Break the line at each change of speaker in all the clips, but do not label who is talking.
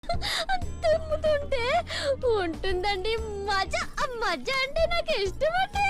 తుమ్ముతుంటే ఉంటుందండి మజా. మజా అంటే నాకు ఇష్టం అండి.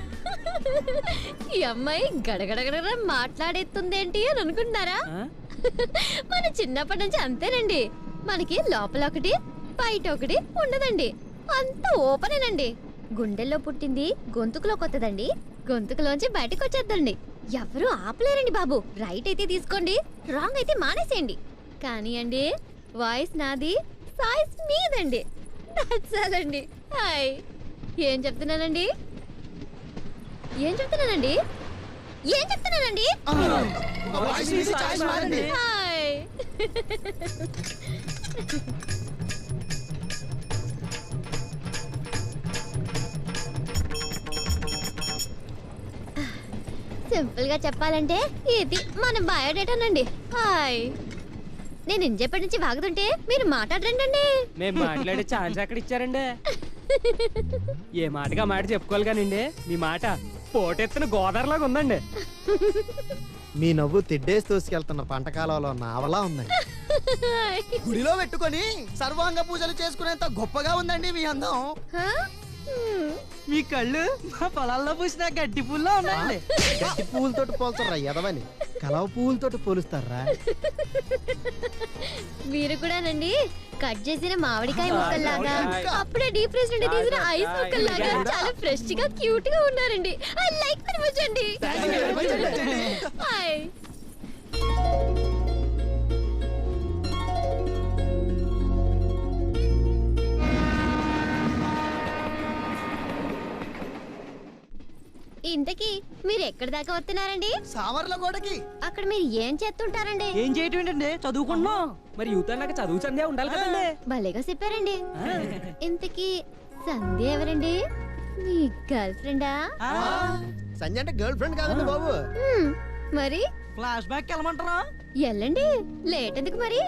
ఈ అమ్మాయి గడగడగడ మాట్లాడేస్తుందేంటి అని అనుకుంటున్నారా? మన చిన్నప్పటి నుంచి అంతేనండి. మనకి లోపల ఒకటి బయట ఒకటి ఉండదండి, అంత ఓపెనేనండి. గుండెల్లో పుట్టింది గొంతుకులో కొత్తదండి, గొంతుకులోంచి బయటకు వచ్చేద్దండి. ఎవరు ఆపలేరండి బాబు. రైట్ అయితే తీసుకోండి, రాంగ్ అయితే మానేసేయండి. కానీ అండి వాయిస్ నాది, సాయిస్ మీదండి. నచ్చాలండి. హాయ్. ఏం చెప్తున్నానండి? ఏం చెప్తున్నానండి? ఏం చెప్తున్నానండి? హాయ్. సింపుల్ గా చెప్పాలంటే ఇది మన బయోడేటానండి. హాయ్. నేను ఇంజేపటి నుంచి వాగుతుంటే మీరు మాట్లాడరండి.
మేము మాట్లాడే ఛాన్స్ ఎక్కడ ఇచ్చారండి? ఏ మాటగా మాట చెప్పుకోవాలి కానండి, మీ మాట పోటెత్తిన గోదావరిలాగా ఉందండి.
మీ నవ్వు తిడ్డేసి తోసుకెళ్తున్న పంటకాలంలో నావలా ఉందండి.
గుడిలో పెట్టుకొని సర్వాంగ పూజలు చేసుకునేంత గొప్పగా ఉందండి మీ అందం.
మీ కళ్ళు మా పొలాల్లో పూసిన గడ్డి పూల్లో ఉన్నాయండి.
గడ్డి పువ్వులతోటి పోల్చర్రా ఎదవని, కలవ పువ్వులతోటి పోలుస్తారా?
మీరు కూడానండి కట్ చేసిన మామిడికాయ ముక్కల్లాగా, అప్పుడే డీప్ ఫ్రిజ్ నుండి తీసిన ఐస్ ముక్కల్లాగా చాలా ఫ్రెష్ గా క్యూట్ గా ఉన్నారండి. ఐ లైక్ వెరీ మచ్ అండి. హాయ్. ఇంతకీ మీరు ఎక్కడి దాకా వస్తున్నారండి?
సామర్ల గోడకి.
అక్కడ మీరు ఏం చేస్తుంటారండి?
ఏం చేయటం ఏంటండి, చదువుకుంటున్నాం.
మరి యూత్ అన్నాక చదువు సంధ్య ఉండాలి కదండి.
భలేగా చెప్పారండి. ఇంతకీ సంధ్య ఎవరండి? మీ గర్ల్ ఫ్రెండా?
సంజయ్ అంటే గర్ల్ ఫ్రెండ్ కాదండి బాబు.
మరి
ఫ్లాష్ బ్యాక్ వెళ్ళమంటారా?
ఎల్లండి, లేట్ ఎందుకు మరి?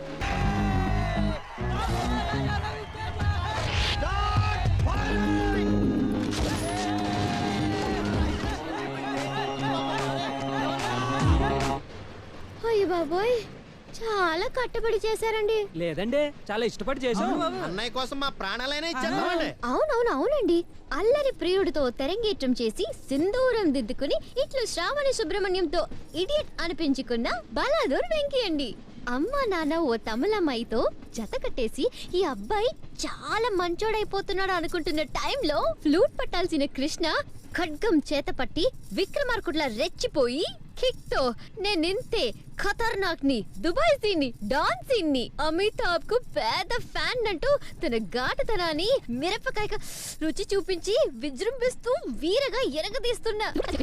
అయ్య బాబోయ్, చాలా కట్టబడి చేశారండి.
లేదండి, చాలా ఇష్టపడి చేసాం.
అన్నయ్య కోసం మా ప్రాణాలైనా ఇచ్చేద్దామండి.
అవునండి. అల్లరి ప్రియుడితో తెరంగేట్రం చేసి సింధూరం దిద్దుకుని ఇట్లు శ్రావణి సుబ్రహ్మణ్యంతో ఇడియట్ అనిపించుకున్న బలాదూర్ వెంకీ అండి. అమ్మ నాన్న ఓ తమిళమ్మాయితో జత కట్టేసి ఈ అబ్బాయి చాలా మంచోడైపోతున్నాడు అనుకుంటున్న టైంలో ఫ్లూట్ పట్టాల్సిన కృష్ణ ఖడ్గం చేత పట్టి విక్రమార్కుడ్లా రెచ్చిపోయి కిక్ తో నేనింతే ఖతర్నాక్ ని, దుబాయ్ సీన్ ని, డాన్ సీన్ ని, అమితాబ్ కు పెద్ద ఫ్యాన్ అంటూ తన ఘాటుతనాన్ని మిరపకాయ రుచి చూపించి విజృంభిస్తూ వీరగా ఎరగదీస్తున్న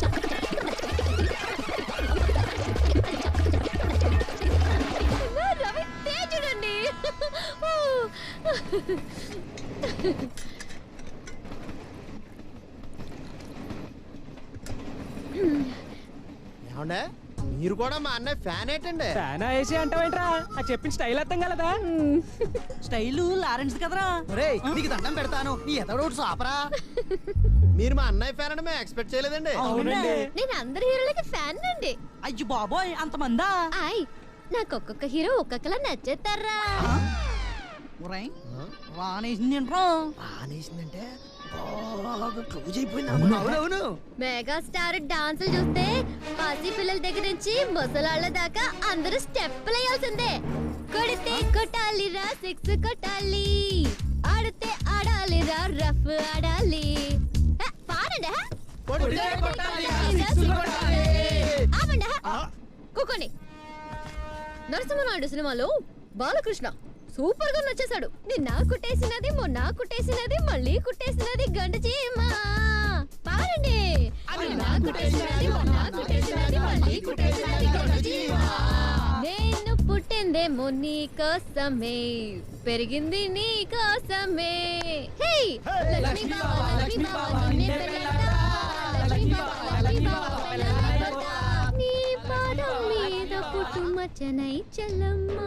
రవి తేజుడండి.
ఏమండే, మీరు కూడా మా అన్నయ్య ఫ్యాన్ ఏంటండి?
ఫ్యాన్ వేసి అంటావేంట్రా? అది చెప్పిన స్టైల్ అర్థం కలదా?
స్టైల్ లారెన్స్ కదరా.
ఒరేయ్, నీకు దండం పెడతాను, నీ ఎదడోడు సాపరా.
మీరు మా అన్నయ్య ఫ్యాన్ అని మేము ఎక్స్పెక్ట్ చేయలేదండి.
అవునండి.
నేను అందరి హీరోలకి ఫ్యాన్ అండి.
అయ్యో బాబోయ్, అంతమందా?
ఆయ్, నాకు ఒక్కొక్క హీరో ఒక్కొక్కలా నచ్చేస్తారా?
రానేసింది ఏంట్రా?
ఆనేసిందంటే బాగా క్లోజ్ అయిపోయింది.
అవునవును.
మెగాస్టార్ డాన్సులు చూస్తే పసి పిల్లల దగ్గర నుంచి ముసలాళ్ళ దాకా అందరూ స్టెప్పులు వేయాల్సిందే. కొడితే కొట్టాలిరా, సిక్స్ కొట్టాలి, ఆడితే ఆడాలిరా, రఫ్ ఆడాలి. పాడండి. ఆపండి. కూకోండి. నరసింహనాయుడు సినిమాలో బాలకృష్ణ సూపర్ గా నచ్చేశాడు. నిన్న కుట్టేసినది, మొన్న కుట్టేసినది, మళ్ళీ కుట్టేసినది గంట చీమ. పాడండి. నేను పుట్టిందేమో నీ కోసమే, పెరిగింది నీ కోసమే. హే లక్ష్మీ బావ, లక్ష్మీ బావ, నిన్నే పెళ్ళాడతా, లక్ష్మీ బావ, లక్ష్మీ బావ, పెళ్ళాడతా. నీ పాదం మీద పుట్టుమచ్చనై చెల్లమ్మా,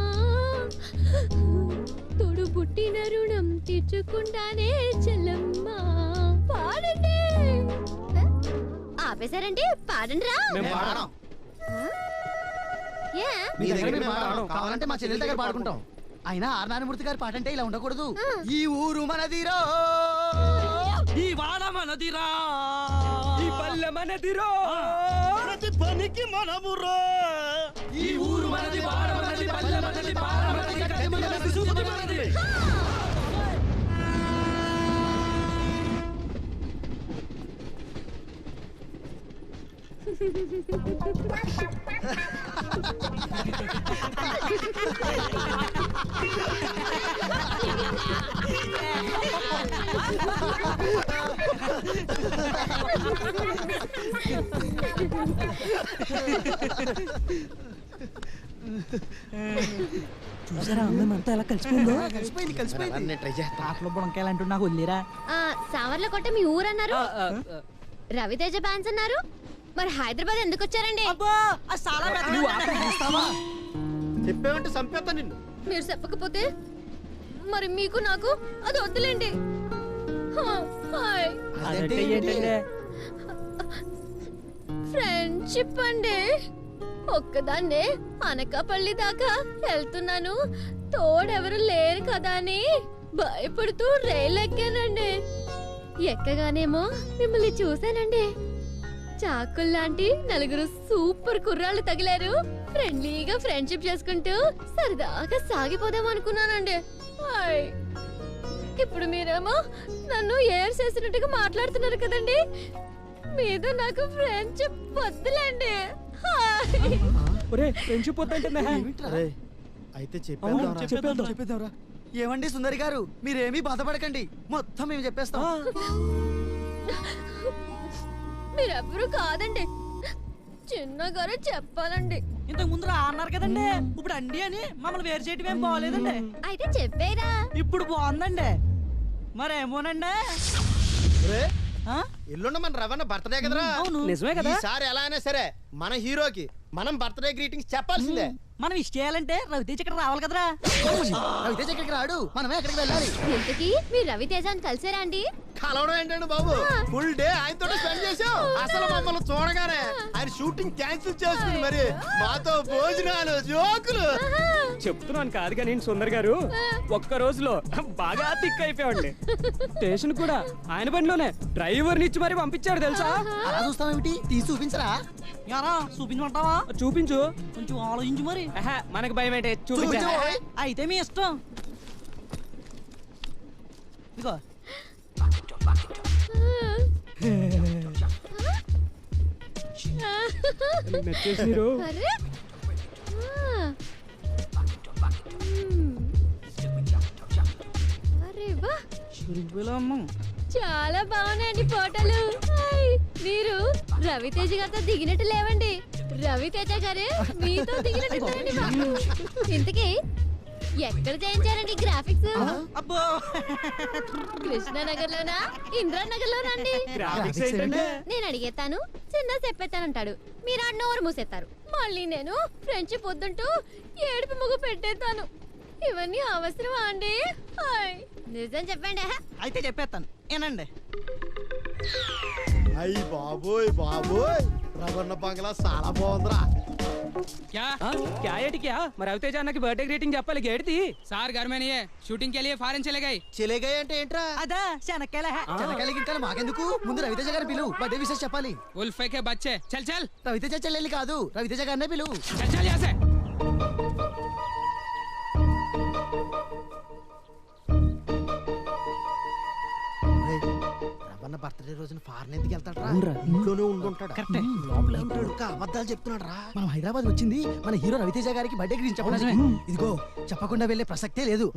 తోడు పుట్టిన రుణం తీర్చుకుంటానే చెల్లమ్మా. పాడండి. ఆపేశారంటే పాడండి రా.
మేము పాడం.
ఏ
మీ దగ్గర మేము పాడం. కావాలంటే మా చెల్లెల దగ్గర పాడుకుంటాం.
అయినా ఆర్ నారాయణమూర్తి గారి పాట అంటే ఇలా ఉండకూడదు. ఈ ఊరు మనదిరో,
ఈ వాడ మనదిరా,
ఈ పల్లె మనదిరో,
ప్రతి పనికి మనమురో,
ఈ ఊరు మనది, వాడ మనది, పల్లె మనది, పార మనది, గడ్డి మనది, సూది మనది. చూసారా అందరం అంతా ఎలా కలిసిపోయిందో.
కలిసిపోయింది.
నేను ట్రై చేస్తా.
ఆటలో బుడంకాయలు నాకు వదిలేరా.
సావర్ల కొట్ట మీ ఊరన్నారు, రవితేజ బ్యాన్స్ అన్నారు, మరి హైదరాబాద్ ఎందుకు వచ్చారండి?
అబ్బో అది చాలా పెద్ద
నువ్వు ఆపేస్తావా?
చెప్పేమంటే చంపేస్తా నిన్ను.
మీరు చెప్పకపోతే మరి మీకు నాకు అది వద్దులేండి. హాయ్
అదంటే ఏంటంటే
ఫ్రెండ్షిప్ అండి. ఒక్కదాన్నే అనకాపల్లి దాకా వెళ్తున్నాను, తోడెవరు లేరు కదా అని భయపడుతూ రైలు ఎక్కానండి. ఎక్కగానేమో మిమ్మల్ని చూశానండి. చాకుల్లాంటి నలుగురు సూపర్ కుర్రాళ్ళు తగిలారు. ఫ్రెండ్లీగా ఫ్రెండ్షిప్ చేసుకుంటూ సరదాగా సాగిపోదాం అనుకున్నానండి. హాయ్. ఇప్పుడు మీరేమో నన్ను ఏర్ చేసినట్టుగా మాట్లాడుతున్నారు కదండి. మీద నాకు ఫ్రెండ్షిప్ వద్దులేండి. హాయ్.
ఒరే ఫ్రెండ్షిప్ వద్దంటే
అరే అయితే
చెప్పేద్దాంరా. ఏమండి సుందరి గారు, మీరేమీ బాధపడకండి, మొత్తం మేము చెప్పేస్తాం.
మీరెవ్వరూ కాదండి, చిన్నగారు చెప్పాలండి.
ఇంతకు ముందు అన్నారు కదండి, ఇప్పుడు అండి అని మమ్మల్ని వేరు చేయటం ఏం బాగోలేదండి.
అయితే చెప్పేరా.
ఇప్పుడు బాగుందండి. మరేమోనండి.
ఎల్లుండి మన రవణ బర్త్డే కదరా.
అవును.
నిజమే కదా.
ఈసారి ఎలా అయినా సరే మన హీరోకి మనం బర్త్డే గ్రీటింగ్స్ చెప్పాల్సిందే.
మనం ఇష్ట చేయాలంటే రవితేజ్ ఇక్కడ రావాలి కదరా.
రవితేజ ఎక్కడికి రాడు, మనమే ఎక్కడికి వెళ్ళాలి.
ఇంతకీ మీ రవితేజాన్ని కలిసారా అండి?
కలవడం ఏంటండి బాబు, ఫుల్ డే ఆయనతో స్పెండ్ చేసాం. అసలు మమ్మల్ని చూడగానే ఆయన షూటింగ్ క్యాన్సిల్ చేసుకుని మరి మాతో భోజనాలు జోకులు.
చెప్తున్నాను కాదు కానీ సుందర్ గారు, ఒక్క రోజులో బాగా తిక్ అయిపోయామండి. స్టేషన్ కూడా ఆయన బండిలోనే డ్రైవర్ నిచ్చి మరి పంపించాడు తెలుసా.
అలా చూస్తామేమిటి, తీసి చూపించరా.
యారా చూపించమంటావా?
చూపించు.
కొంచెం ఆలోచించు మరి.
మనకు భయం ఏంటి, చూపించా.
చూపించు.
అయితే మీ ఇష్టం. ఇదిగో
నచ్చేసిరు.
అరే అరే వా, చాలా బాగున్నాయండి ఫోటోలు. హాయ్. మీరు రవితేజ గారితో దిగినట్టు లేవండి, రవితేజ గారే మీతో దిగినట్టు మాకు. ఇంతకీ ఎక్కడ చేయించారండి గ్రాఫిక్స్?
అబ్బో
కృష్ణానగర్ లోనా, ఇంద్రానగర్ లోనా అండి?
గ్రాఫిక్స్ ఏంటంటే
నేను అడిగేస్తాను, చిన్న చెప్పేస్తానంటాడు, మీరు ఆ నోరు మూసేస్తారు. మళ్ళీ నేను ఫ్రెండ్షిప్ వద్దంటూ ఏడుపు ముగ్గు పెట్టేస్తాను. ఇవన్నీ అవసరమా అండి? హాయ్. నిజం చెప్పండి.
అయితే చెప్పేస్తాను ఏనండి.
అయ్యి బాబోయ్ బాబోయ్, రవణ బంగ్లా చాలా బాగుందిరా.
क्या ఏటి క్యా? మరి రవితేజ అన్నకి బర్త్డే గ్రీటింగ్ చెప్పాలి. గేడిది
సార్ घर में नहीं है, शूटिंग के लिए फॉरेन चले गए.
చెలేగా అంటే ఏంట్రా?
అదా శనక్కాయల
చెనకాయలకి ఇంకా మాకెందుకు, ముందు రవితేజ గారిని పిలువు, బర్త్డే విషయం చెప్పాలి.
उल्फे के बच्चे चल चल
రవితేజ చెల్లెలి కాదు, రవితేజ గారినే పిలువు.
चल चल यहाँ से.
రవణ బర్త్డే రోజున ఫారెన్ ఎందుకు వెళ్తాడు? ఇంట్లోనే ఉండుంటాడు.
కరెక్టే.
లోపల ఉంటాడు, అబద్ధాలు చెప్తున్నాడు రా.
మనం హైదరాబాద్ వచ్చింది మన హీరో రవితేజ గారికి బర్త్డే గురించి చెప్పడానికి. ఇదిగో చెప్పకుండా వెళ్ళే ప్రసక్తే లేదు.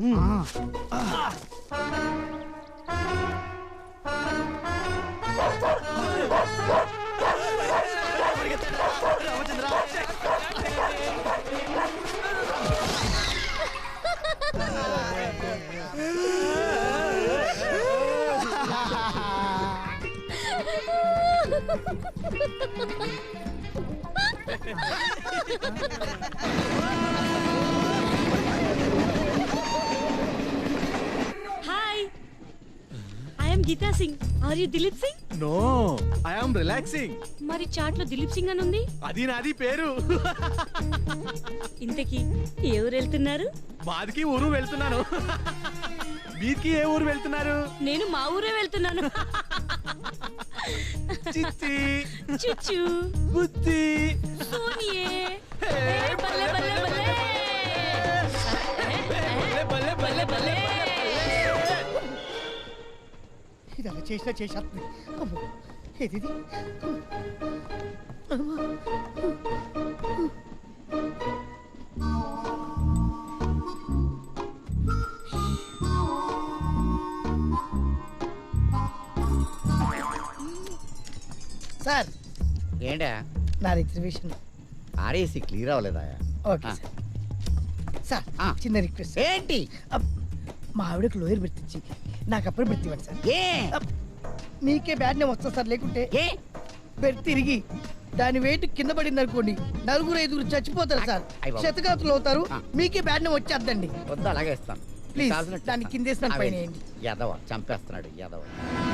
Hi, I am Geeta Singh. Are you Dilip Singh?
No I am relaxing.
మరి చాట్ లో దిలీప్ సింగ్ అని ఉంది.
అది నాది పేరు.
ఇంతకీ ఏ ఊరు వెళ్తున్నారు?
బాదికి ఊరు వెళ్తున్నాను. మీకి ఏ ఊరు వెళ్తున్నారు?
నేను మా ఊరే వెళ్తున్నాను.
చిచ్చి
చుచ్చు
బుద్ధి
సోనియే బల్లే బల్లే బల్లే బల్లే బల్లే బల్లే.
ఇది అలా చేసినా చేసేస్తుంది. అమ్మో ఏది ఇది? సార్
ఏంటా
నా రిజర్వేషన్
ఆర్ఏసీ క్లియర్ అవ్వలేదా?
Okay sir. సార్
ఆ.
చిన్న రిక్వెస్ట్.
ఏంటి?
మా ఆవిడకు లోయర్ బెర్త్ ఇచ్చి నాకు అప్పుడు బెర్త్ ఇవ్వండి సార్.
ఏ
మీకే బ్యాడ్ నేమ్ వస్తుంది సార్. లేకుంటే
ఏ
బెర్త్ తిరిగి దాని వెయిట్ కింద పడింది అనుకోండి, 4-5 చచ్చిపోతారు సార్.
అయ్ బాబు.
శతగాతులు అవుతారు.
ఆ.
మీకే బ్యాడ్ నేమ్ వచ్చేద్దండి.
వద్దు, అలాగే ఇస్తాను.
ప్లీజ్
కావాల్సినట్టు
దాన్ని
ఇస్తాను.
కిందేసిన పైన
అవే.
వేయండి.
యాదవ చంపేస్తున్నాడు యాదవ.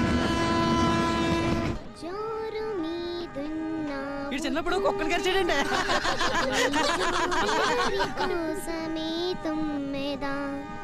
జోరు మీదున్నా
వీడు చిన్నప్పుడు కుక్కలు కరిచాడండి.
కోసమే తుమ్మెదా